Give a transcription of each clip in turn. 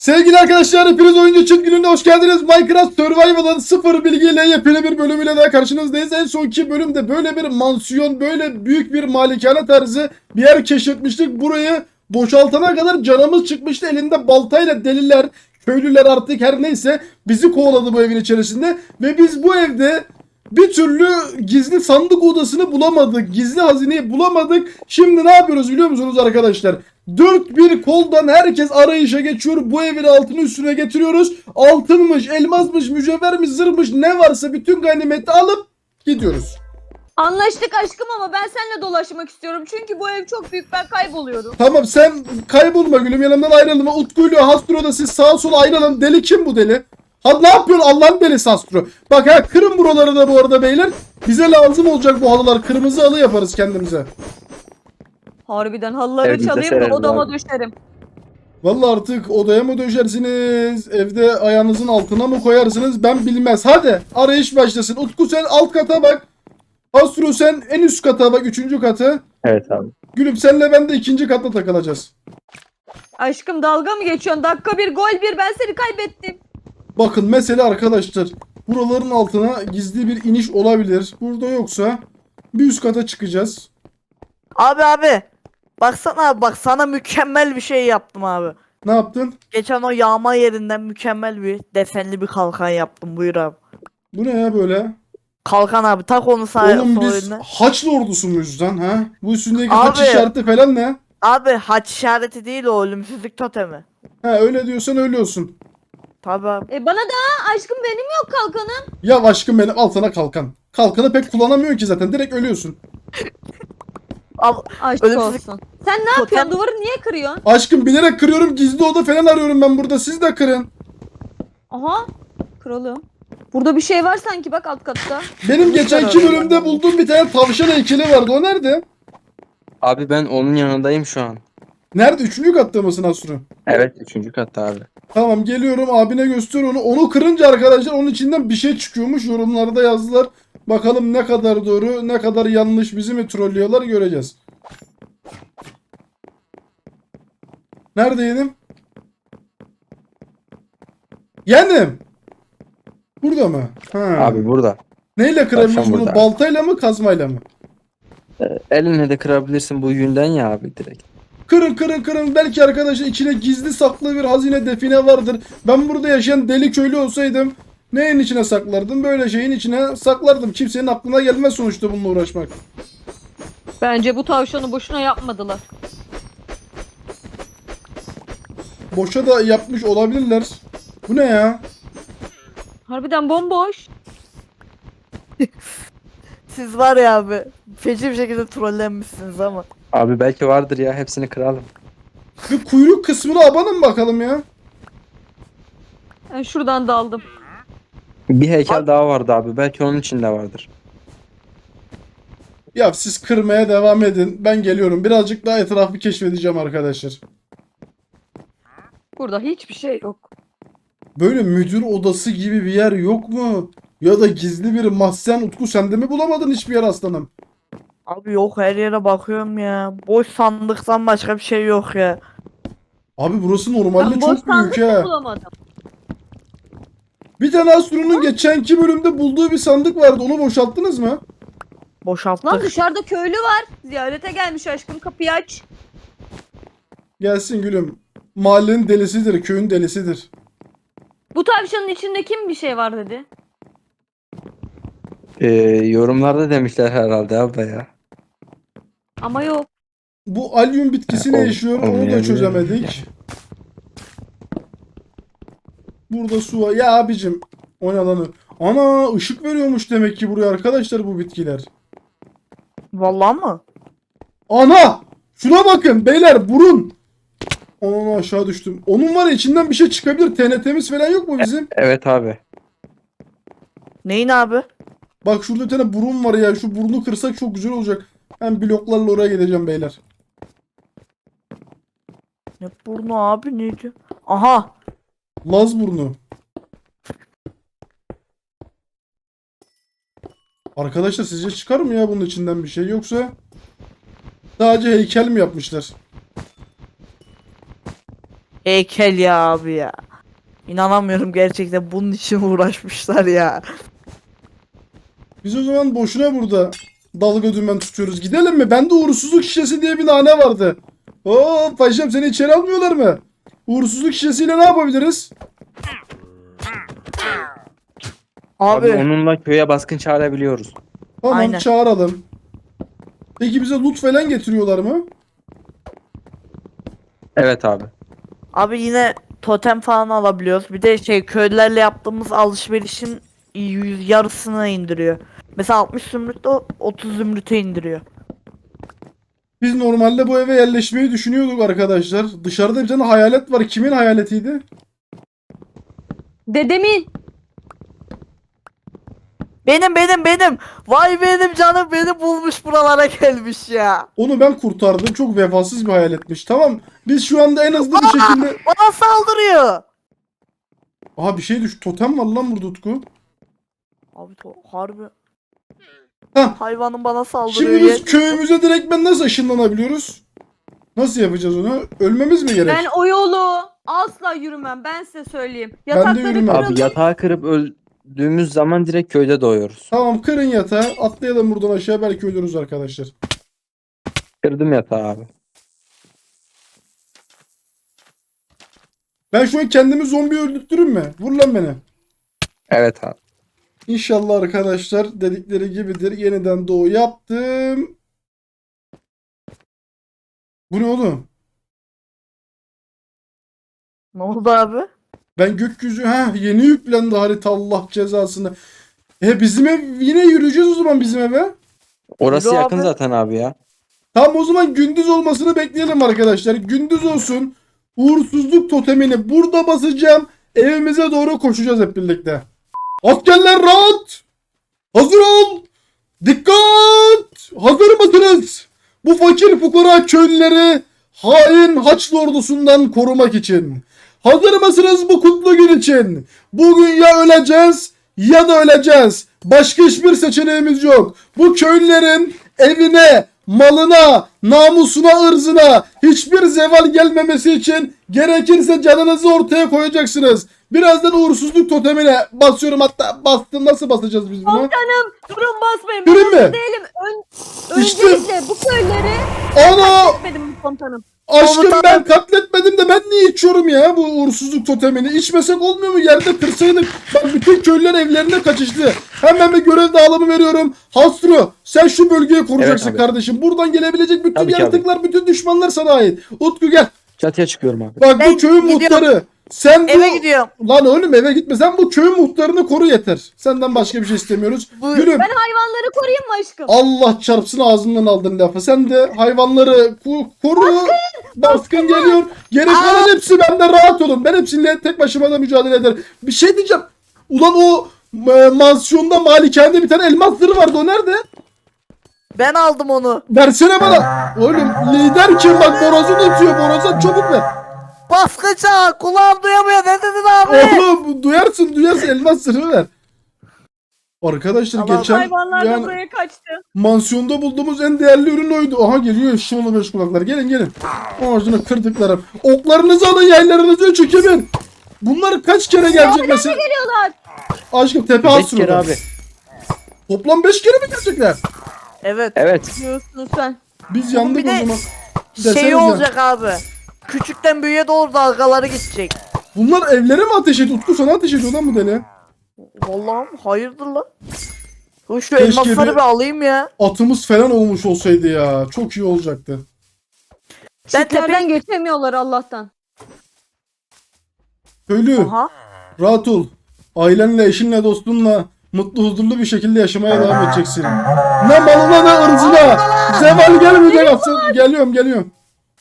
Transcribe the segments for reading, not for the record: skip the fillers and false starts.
Sevgili arkadaşlar, hepiniz Oyuncu Çıt Günü'ne hoş geldiniz. Minecraft Survival'ın sıfır bilgiyle yepyeni bir bölümüyle daha karşınızdayız. En sonki bölümde böyle bir mansiyon, böyle büyük bir malikane tarzı bir yer keşfetmiştik. Burayı boşaltana kadar canımız çıkmıştı. Elinde baltayla deliler, köylüler artık her neyse bizi kovaladı bu evin içerisinde. Ve biz bu evde bir türlü gizli sandık odasını bulamadık. Gizli hazineyi bulamadık. Şimdi ne yapıyoruz biliyor musunuz arkadaşlar? Dört bir koldan herkes arayışa geçiyor. Bu evin altını üstüne getiriyoruz. Altınmış, elmasmış, mücevhermiş, zırhmış ne varsa bütün ganimeti alıp gidiyoruz. Anlaştık aşkım ama ben seninle dolaşmak istiyorum. Çünkü bu ev çok büyük, ben kayboluyorum. Tamam, sen kaybolma gülüm, yanımdan ayrılma. Utku'yla Hastro da siz sağa sola ayrılın. Deli kim bu deli? Ha, ne yapıyorsun Allah'ın belisi Hastro? Bak ha, kırın buraları da bu arada beyler. Bize lazım olacak bu halılar. Kırmızı halı yaparız kendimize. Harbiden halıları Evimize çalayım da sereriz odama abi. düşerim. Vallahi artık odaya mı döşersiniz? Evde ayağınızın altına mı koyarsınız? Ben bilmez. Hadi arayış başlasın. Utku sen alt kata bak. Astro sen en üst kata bak. Üçüncü katı. Evet abi. Gülüm senle ben de ikinci katta takılacağız. Aşkım dalga mı geçiyorsun? Dakika bir gol bir, ben seni kaybettim. Bakın mesele arkadaşlar. Buraların altına gizli bir iniş olabilir. Burada yoksa bir üst kata çıkacağız. Abi. Baksana abi, bak sana mükemmel bir şey yaptım abi. Ne yaptın? Geçen o yağma yerinden mükemmel bir desenli bir kalkan yaptım, buyur abi. Bu ne ya böyle? Kalkan abi, tak onu Oğlum sol biz eline. Haçlı ordusu muyuz lan ha? Bu üstündeki Abi. haç işareti falan ne? Abi haç işareti değil, o ölümsüzlük totemi. Ha, öyle diyorsan öyle olsun. Tabi abi. Bana da aşkım, benim yok kalkanım. Ya aşkım benim, al sana kalkan. Kalkanı pek kullanamıyorsun ki zaten, direkt ölüyorsun. Al, Aşk Ölümsüzlük- olsun. Sen ne Totem- yapıyorsun? Duvarı niye kırıyorsun? Aşkım bilerek kırıyorum, gizli oda falan arıyorum ben burada, siz de kırın. Aha. Kralım. Burada bir şey var sanki, bak alt katta. Benim geçenki bölümde bulduğum bir tane tavşan heykeli vardı, o nerede? Abi ben onun yanındayım şu an. Nerede? Üçüncü katta mısın Asru? Evet, 3. katta abi. Tamam, geliyorum, abine göster onu. Onu kırınca arkadaşlar onun içinden bir şey çıkıyormuş, yorumlarda yazdılar. Bakalım ne kadar doğru ne kadar yanlış, bizi mi trollüyorlar göreceğiz. Neredeydim? Yendim. Burada mı? Ha. Abi burada. Neyle kırabiliriz Tavşan bunu? burada. Baltayla mı, kazmayla mı? Elinle de kırabilirsin bu yünden ya abi direkt. Kırın kırın kırın. Belki arkadaşlar içine gizli saklı bir hazine, define vardır. Ben burada yaşayan deli köylü olsaydım neyin içine saklardım? Böyle şeyin içine saklardım. Kimsenin aklına gelmez sonuçta bununla uğraşmak. Bence bu tavşanı boşuna yapmadılar. Boşa da yapmış olabilirler. Bu ne ya? Harbiden bomboş. siz var ya abi, feci bir şekilde trollenmişsiniz ama. Abi belki vardır ya, hepsini kıralım. Bir kuyruk kısmına abanın bakalım ya. Ben şuradan daldım. Bir heykel daha vardı abi, belki onun içinde vardır. Ya siz kırmaya devam edin. Ben geliyorum. Birazcık daha etrafı keşfedeceğim arkadaşlar. Burada hiçbir şey yok. Böyle müdür odası gibi bir yer yok mu? Ya da gizli bir mahzen. Utku sen de mi bulamadın hiçbir yer aslanım? Abi yok, her yere bakıyorum ya. Boş sandıktan başka bir şey yok ya. Abi burası normalde Ben boş çok büyük sandık da ha. bulamadım. Bir tane Astro'nun geçenki bölümde bulduğu bir sandık vardı. Onu boşalttınız mı? Boşalttık. Lan dışarıda köylü var. Ziyarete gelmiş aşkım, kapıyı aç. Gelsin gülüm. Mahallenin delisidir, köyün delisidir. Bu tavşanın içinde kim bir şey var dedi. Yorumlarda demişler herhalde abi ya. Ama yok. Bu alyum bitkisi ne yaşıyor? Onu da olmayabilir. çözemedik. Burada su var. Ya abicim. O ne lan? Ana, ışık veriyormuş demek ki buraya arkadaşlar bu bitkiler. Vallahi mı? Ana! Şuna bakın beyler, burun. Ana, aşağı düştüm. Onun var ya, içinden bir şey çıkabilir. TNT'miz falan yok mu bizim? Evet abi. Neyin abi? Bak şurada bir tane burun var ya. Şu burnu kırsak çok güzel olacak. Ben bloklarla oraya gideceğim beyler. Ne burnu abi, neydi? Aha. Laz burnu. Arkadaşlar sizce çıkar mı ya bunun içinden bir şey, yoksa sadece heykel mi yapmışlar? heykel ya abi ya. İnanamıyorum gerçekten bunun için uğraşmışlar ya. Biz o zaman boşuna burada dalga dümen tutuyoruz. Gidelim mi? Bende uğursuzluk şişesi diye bir nane vardı. Oo paşam, seni içeri almıyorlar mı? Uğursuzluk şişesiyle ne yapabiliriz? Abi Abi onunla köye baskın çağırabiliyoruz. Tamam, Aynen. çağıralım. Peki bize loot falan getiriyorlar mı? Evet abi. abi yine totem falan alabiliyoruz. Bir de şey köylülerle yaptığımız alışverişin yarısını indiriyor. Mesela 60 zümrüt o 30 zümrüte indiriyor. Biz normalde bu eve yerleşmeyi düşünüyorduk arkadaşlar. Dışarıda bir tane hayalet var. Kimin hayaletiydi? Dedemin. Benim. Vay benim canım beni bulmuş buralara gelmiş ya. Onu ben kurtardım. Çok vefasız bir hayaletmiş. Tamam. Biz şu anda en hızlı bir şekilde... Bana saldırıyor. Aha, bir şey düş. Totem var lan burada, Utku. Abi harbi. Hah. Hayvanın bana saldırıyor. Şimdi biz köyümüze direkt nasıl ışınlanabiliyoruz? Nasıl yapacağız onu? Ölmemiz mi gerek? Ben o yolu asla yürümem. Ben size söyleyeyim. Ben de Yatakları yürümem. kırılır. Abi yatağı kırıp öldüğümüz zaman direkt köyde doğuyoruz. Tamam, kırın yatağı. Atlayalım buradan aşağı, belki ölürüz arkadaşlar. Kırdım yatağı abi. Ben şu an kendimi zombi öldürtürüm mü? Vur lan beni. Evet abi. İnşallah arkadaşlar dedikleri gibidir. Yeniden doğu yaptım. Bu ne oğlum? Ne oldu abi? Ben gökyüzü yeni yüklendi harita, Allah cezasını. Bizim ev, yine yürüyeceğiz o zaman bizim eve. Orası Yürü yakın abi. zaten abi ya. Tamam, o zaman gündüz olmasını bekleyelim arkadaşlar. Gündüz olsun. Uğursuzluk totemini burada basacağım. Evimize doğru koşacağız hep birlikte. Askerler rahat. Hazır ol. Dikkat. Hazır mısınız? Bu fakir fukara köylüleri hain Haçlı ordusundan korumak için. Hazır mısınız bu kutlu gün için? Bugün ya öleceğiz ya da öleceğiz. Başka hiçbir seçeneğimiz yok. Bu köylülerin evine, malına, namusuna, ırzına hiçbir zeval gelmemesi için gerekirse canınızı ortaya koyacaksınız. Birazdan uğursuzluk totemine basıyorum, hatta bastım. Nasıl basacağız biz bunu? Komutanım durun basmayın. Yürü Ben mü? hazır değilim. İşte- Öncelikle bu köyleri Ana! etmedim komutanım. Aşkım, Komutanım. ben katletmedim de ben niye içiyorum ya bu uğursuzluk totemini? İçmesek olmuyor mu? Yerde kırsaydık. Bak, bütün köylüler evlerine kaçıştı. Hemen bir görev dağılımı veriyorum. Hastro, sen şu bölgeyi koruyacaksın Evet abi. kardeşim. Buradan gelebilecek bütün Tabii ki yaratıklar, bütün düşmanlar sana ait. Utku gel. Çatıya çıkıyorum abi. Bak, bu Ben köyün gidiyorum. muhtarı. Sen bu... Eve gidiyorum. Lan oğlum, eve gitme. Sen bu köyün muhtarını koru yeter. Senden başka bir şey istemiyoruz. Bu- Yürü. Ben hayvanları koruyayım mı aşkım? Allah çarpsın, ağzından aldın lafı. Sen de hayvanları koru. Baskın geliyor. Geri kalan hepsi bende, rahat olun. Ben hepsiyle tek başıma da mücadele ederim. Bir şey diyeceğim. Ulan o mansiyonda, malikanede bir tane elmas zırhı vardı. O nerede? Ben aldım onu. Versene bana. Oğlum, lider kim? Bak, borazın ötüyor. Boraza çabuk ver. Baskıcı kulağım duyamıyor ne dedin abi? Oğlum, duyarsın elmas zırhı ver. Arkadaşlar Tamam, geçen Hayvanlar da yani buraya kaçtı. mansiyonda bulduğumuz en değerli ürün oydu. Aha, geliyor şımalı beş kulaklar. Gelin. Ağzını kırdıklarım. Oklarınızı alın, yaylarınızı çekemin. Bunlar kaç kere gelecek mesela? Geliyorlar. Aşkım, tepe 5 hasır kere orada. abi. Toplam 5 kere mi gelecekler? Evet. Evet. Diyorsun sen. Biz yandık bir de o zaman. Şey Desenize. olacak abi. Küçükten büyüğe doğru dalgaları gidecek. Bunlar evlere mi ateş ediyor? Utku, sana ateş ediyor lan bu deli. Vallahi hayırdır lan? Dur şu Keşke elmasları bir- bir alayım ya. Atımız falan olmuş olsaydı ya. Çok iyi olacaktı. Ben Çitlerden geçemiyorlar Allah'tan. Köylü, Aha. rahat ol. Ailenle, eşinle, dostunla mutlu, huzurlu bir şekilde yaşamaya devam edeceksin. Ne malına ne ırzına. Zeval gelmeyecek aslında. Geliyorum.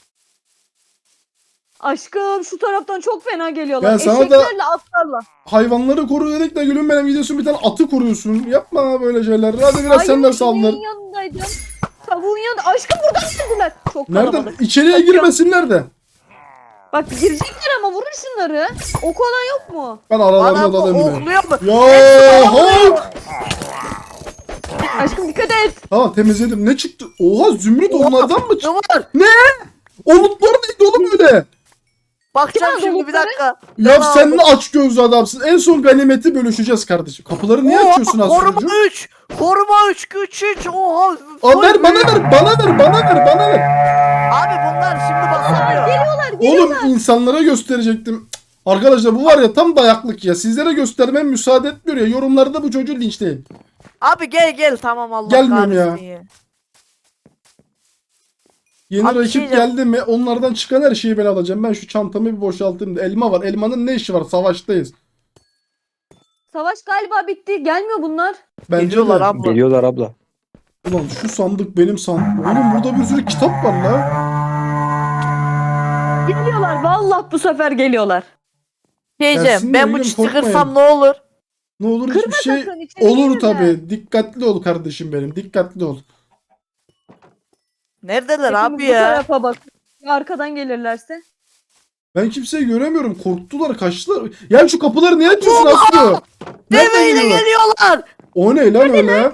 Aşkım şu taraftan çok fena geliyorlar. Ben sana da- Eşeklerle atlarla. Hayvanları koru dedik de gülüm benim, gidiyorsun bir tane atı koruyorsun. Yapma böyle şeyler. Hadi biraz sen de saldır. tavuğun yanındaydım. Tavuğun yanında. Aşkım buradan geldiler. Çok Nereden? kalabalık. İçeriye Kaçıyor. girmesinler de. Bak girecekler ama vurun şunları. Ok olan yok mu? Ben aralarına Adam dalayım bir. okluyor mu? Ya Hulk! Aşkım dikkat et. Tamam, temizledim. Ne çıktı? Oha, zümrüt onlardan mı çıktı? Ne var? O lootlar neydi oğlum öyle? Bakacağım Kim aldı şimdi bir lootları? dakika. Ya Ben sen aldım. ne aç gözlü adamsın. En son ganimeti bölüşeceğiz kardeşim. Kapıları niye Oha, açıyorsun koruma Asucuğum? 3. Koruma 3 güç 3. Oha. Aa, ver bana ver bana ver. Abi bunlar şimdi basamıyor. Oğlum insanlara gösterecektim. Cık, arkadaşlar bu var ya tam dayaklık ya. Sizlere göstermem müsaade etmiyor ya. Yorumlarda bu çocuğu linçleyin. Abi gel tamam Allah Gelmiyorum ya. kahretsin ya. Yeni Abi bir rakip şey diyeceğim. geldi mi onlardan çıkan her şeyi ben alacağım. Ben şu çantamı bir boşaltayım da. Elma var. Elmanın ne işi var? Savaştayız. Savaş galiba bitti. Gelmiyor bunlar. Bence Geliyorlar de. abi. Geliyorlar abla. Ulan şu sandık benim sandık. Oğlum burada bir sürü kitap var la. Geliyorlar. Vallahi bu sefer geliyorlar. Diyeceğim Gelsinler ben bu oğlum, çiti korkmayın. kırsam ne olur? Ne olur Kırma hiçbir şey sakın, içeri olur girme. tabi. Dikkatli ol kardeşim benim. Dikkatli ol. Neredeler Hepimiz abi bu ya? tarafa bak. Ya arkadan gelirlerse. Ben kimseyi göremiyorum. Korktular, kaçtılar. Ya şu kapıları niye açıyorsun Aslı? Nereden Deveyle geliyorlar? geliyorlar. O ne lan öyle?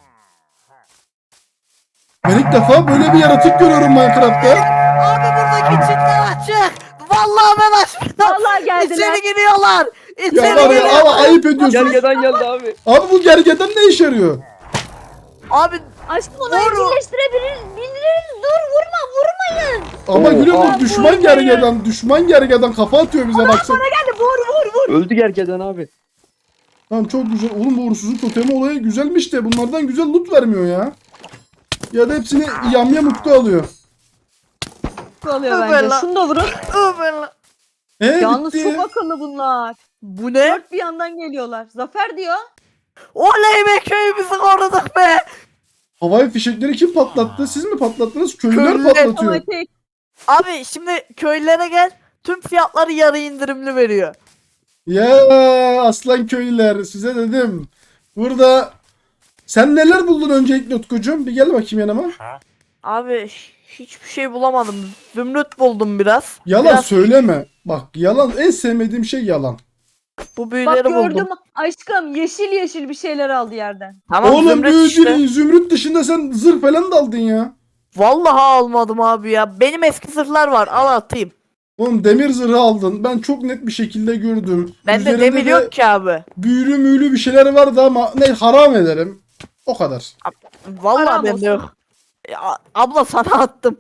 Ben ilk defa böyle bir yaratık görüyorum Minecraft'ta. Abi buradaki çitler açık. Vallahi ben açtım. Vallahi geldiler. İçeri giriyorlar. Ya İçeri var ya giriyorlar. ama ayıp ediyorsun. Gergeden geldi abi. Abi bu gergedan ne işe yarıyor? Abi Aşkım onu Vur. evcilleştirebiliriz. Dur vurmayın. Ama gülüm Oha. bu düşman gergedan. Düşman gergedan kafa atıyor bize baksana. Hadi vur. Öldü gergeden abi. Tamam çok güzel. Oğlum bu uğursuzluk totemi olayı güzelmiş de bunlardan güzel loot vermiyor ya. Ya da hepsini yamyamukta alıyor. Oluyor Ömer bence. lan. Şunu da vurun. Ömer. Yalnız Bitti. çok akıllı bunlar. Bu ne? Dört bir yandan geliyorlar. Zafer diyor. Oley be köyümüzü koruduk be. Havai fişekleri kim patlattı? Siz mi patlattınız? Köylüler Köylüler. patlatıyor. Otomatik. Abi şimdi köylere gel. Tüm fiyatları yarı indirimli veriyor. Ya aslan köylüler size dedim. Burada sen neler buldun öncelikle Utkucuğum? Bir gel bakayım yanıma. Abi hiçbir şey bulamadım. Zümrüt buldum biraz. Yalan Biraz söyleme. Bak yalan en sevmediğim şey yalan. bu Bak büyüleri gördüm buldum. aşkım yeşil bir şeyler aldı yerden. Tamam Oğlum zümrüt büyü işte. değil, zümrüt dışında sen zırh falan da aldın ya. Vallahi almadım abi ya. Benim eski zırhlar var. Al atayım. Oğlum demir zırhı aldın. Ben çok net bir şekilde gördüm. Bende Üzerinde demir de yok ki abi. büyülü müylü bir şeyler vardı ama ne haram ederim. O kadar. Vallahi Haram bende olsun. yok. Ya, abla sana attım.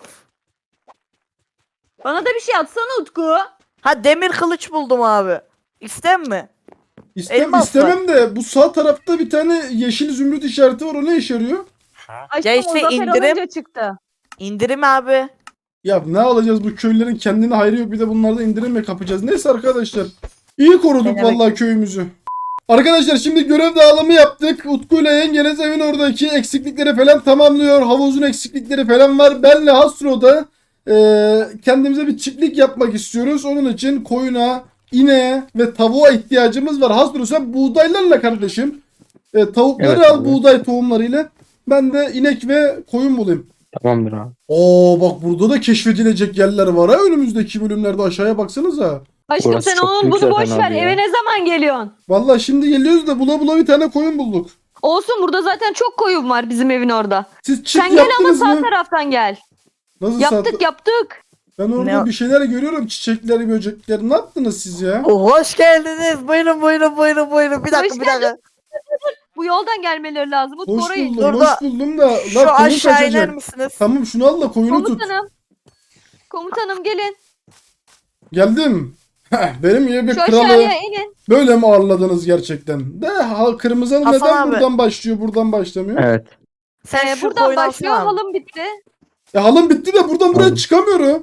Bana da bir şey atsana Utku. Ha demir kılıç buldum abi. İster mi? Elmas var. İstemem de bu sağ tarafta bir tane yeşil zümrüt işareti var. O ne işe yarıyor? Aşkım işte o zafer indirim. alınca çıktı. İndirim abi. Ya ne alacağız bu köylülerin kendine hayrı yok bir de bunlarda indirim mi kapacağız? Neyse arkadaşlar. İyi koruduk Ne demek? vallahi köyümüzü. Arkadaşlar şimdi görev dağılımı yaptık. Utku ile yengeniz evin oradaki eksiklikleri falan tamamlıyor. Havuzun eksiklikleri falan var. Benle Hastro'da kendimize bir çiftlik yapmak istiyoruz. Onun için koyuna, ineğe ve tavuğa ihtiyacımız var. Hasro sen buğdaylarla kardeşim. Tavukları Evet al abi. buğday tohumlarıyla. Ben de inek ve koyun bulayım. Tamamdır abi. Oo bak burada da keşfedilecek yerler var ha önümüzdeki bölümlerde aşağıya baksanıza. Aşkım Burası sen çok onun büyük bunu boş zaten ver. abi ya. Eve ne zaman geliyorsun? Vallahi şimdi geliyoruz da bula bir tane koyun bulduk. Olsun burada zaten çok koyun var bizim evin orada. Siz çift Sen gel ama yaptınız sağ mı? taraftan gel. Nasıl Yaptık. Ben orada Ne- bir şeyler görüyorum çiçekleri böcekleri. Ne yaptınız siz ya? Hoş geldiniz. Buyurun. Bir dakika Hoş bir dakika. Bu yoldan gelmeleri lazım. Utku Hoş orayı. buldum Dur da- hoş buldum da. Şu Lan koyun aşağı iner kaçacak. misiniz? Tamam şunu al da koyunu tut. Komutanım gelin. Geldim. Heh, benim gibi bir Şu kralı aşağıya inin. böyle mi ağırladınız gerçekten? De kırmızı hanım Hasan neden abi. buradan başlıyor buradan başlamıyor? Evet. Sen şu Buradan koyunu başlıyor. alsana. Halım bitti. Halım bitti de buradan buraya Aldım. çıkamıyorum.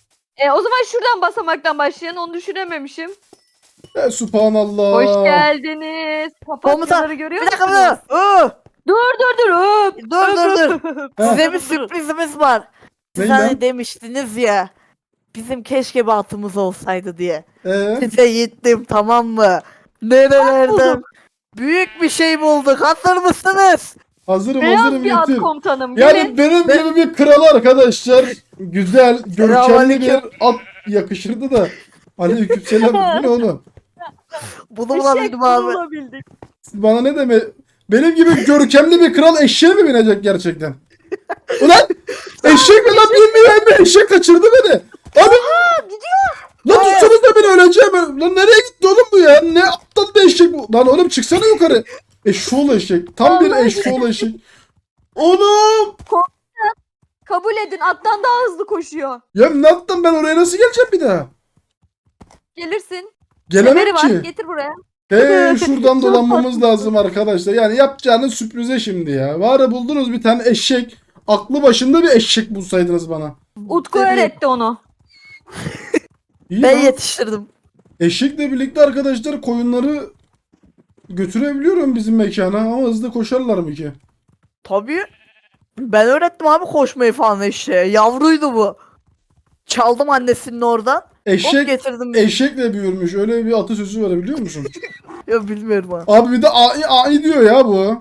O zaman şuradan basamaktan başlayan onu düşünememişim. Subhanallah. Hoş geldiniz. Papatyaları görüyor Bir dakika musunuz? bir dakika. Dur. Öp. Dur. Heh. Size bir sürprizimiz var. Siz Ne hani lan? demiştiniz ya. Bizim keşke bir atımız olsaydı diye. Ee? Size gittim tamam mı? Nerelerden? Büyük bir şey bulduk. Hazır mısınız? Hazırım Beyaz bir at getir. komutanım. Gelin. Yani benim gibi bir kral arkadaşlar. Güzel, görkemli bir Selamünaleyküm. at yakışırdı da. Aleykümselam. Bu ne oğlum? Bunu bulabildim abi. bulabildik. Bana ne deme? Benim gibi görkemli bir kral eşeğe mi binecek gerçekten? Ulan eşek mi lan bilmiyorum eşek kaçırdı beni. Abi. Gidiyor. Lan tutsanız da ben öleceğim. Lan nereye gitti oğlum bu ya? Ne aptal bir eşek bu. Lan oğlum çıksana yukarı. Eşşoğlu eşek. Tam bir eşşoğlu eşek. Oğlum. Kabul edin, attan daha hızlı koşuyor. Ya ne yaptım ben oraya nasıl geleceğim bir daha? Gelirsin. Gelemem Kemeri var, ki. getir buraya. Şuradan dolanmamız lazım arkadaşlar. Yani yapacağınız sürprize şimdi ya. Var ya buldunuz bir tane eşek. Aklı başında bir eşek bulsaydınız bana. Utku Tabii. öğretti onu. İyi Ben lan. yetiştirdim. Eşekle birlikte arkadaşlar koyunları götürebiliyorum bizim mekana ama hızlı koşarlar mı ki? Tabii. Ben öğrettim abi koşmayı falan eşeğe. Yavruydu bu. Çaldım annesinin oradan. Hop Eşek getirdim. eşekle büyürmüş. Öyle bir atasözü var biliyor musun? Ya bilmiyorum abi. Abi bir de ai diyor ya bu.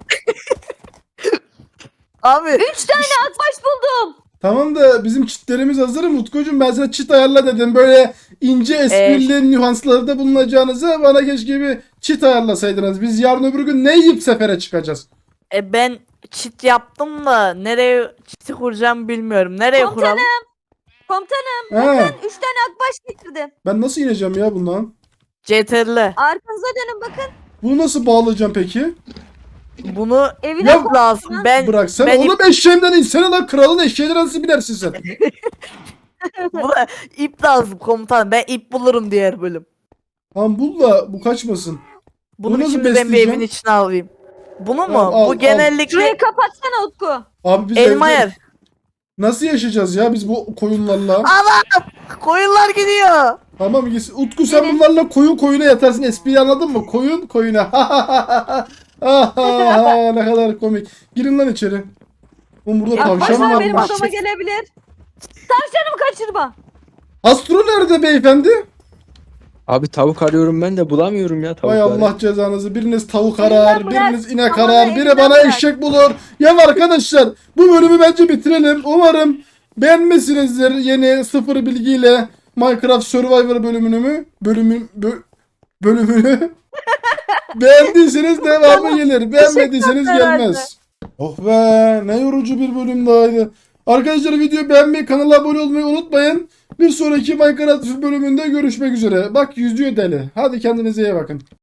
Abi 3 tane akbaş buldum. Tamam da bizim çitlerimiz hazır mı Utkucuğum? Ben sana çit ayarla dedim. Böyle ince esprili nüanslarda bulunacağınıza bana keşke bir çit ayarlasaydınız. Biz yarın öbür gün ne yiyip sefere çıkacağız? ben çit yaptım da nereye çiti kuracağım bilmiyorum. Nereye kuralım? Komutanım, He, 3 tane akbaş getirdim. ben nasıl ineceğim ya bundan? CTRL. Arkanıza dönün bakın. Bunu nasıl bağlayacağım peki? Bunu Evine Ya koy. lazım. Bıraksana ben oğlum eşeğimden insene lan kralın eşeğine nasıl binersin sen? buna ip lazım komutanım. Ben ip bulurum diğer bölüm. Tamam bul da bu kaçmasın. Bunu Bunu nasıl şimdi ben bir besleyeceğim? evin içine alayım. Bunu mu? Tamam, al, Bu al. genellikle Şurayı kapatsana Utku. Abi biz elma evde yer. nasıl yaşayacağız ya biz bu koyunlarla? Anam! Koyunlar gidiyor. Tamam gitsin. Utku sen Gelin. bunlarla koyuna yatarsın. Espriyi anladın mı? Koyuna. Ne kadar komik. Girin lan içeri. Oğlum burada tavşan Akbaşlar var benim mı? odama gelebilir. Tavşanımı kaçırma. Astro nerede beyefendi? Abi tavuk arıyorum ben de bulamıyorum ya Vay tavukları. Allah cezanızı. Biriniz tavuk Elinden arar, bırak. biriniz inek Aman arar, da biri elinden bana bırak. eşek bulur. Ya arkadaşlar bu bölümü bence bitirelim. Umarım beğenmişsinizdir yeni sıfır bilgiyle Minecraft Survivor bölümünü beğendiyseniz devamı gelir. Beğenmediyseniz herhalde. gelmez. Oh be ne yorucu bir bölüm dahaydı. Arkadaşlar videoyu beğenmeyi, kanala abone olmayı unutmayın. Bir sonraki Minecraft bölümünde görüşmek üzere. Bak yüzüyor deli. Hadi kendinize iyi bakın.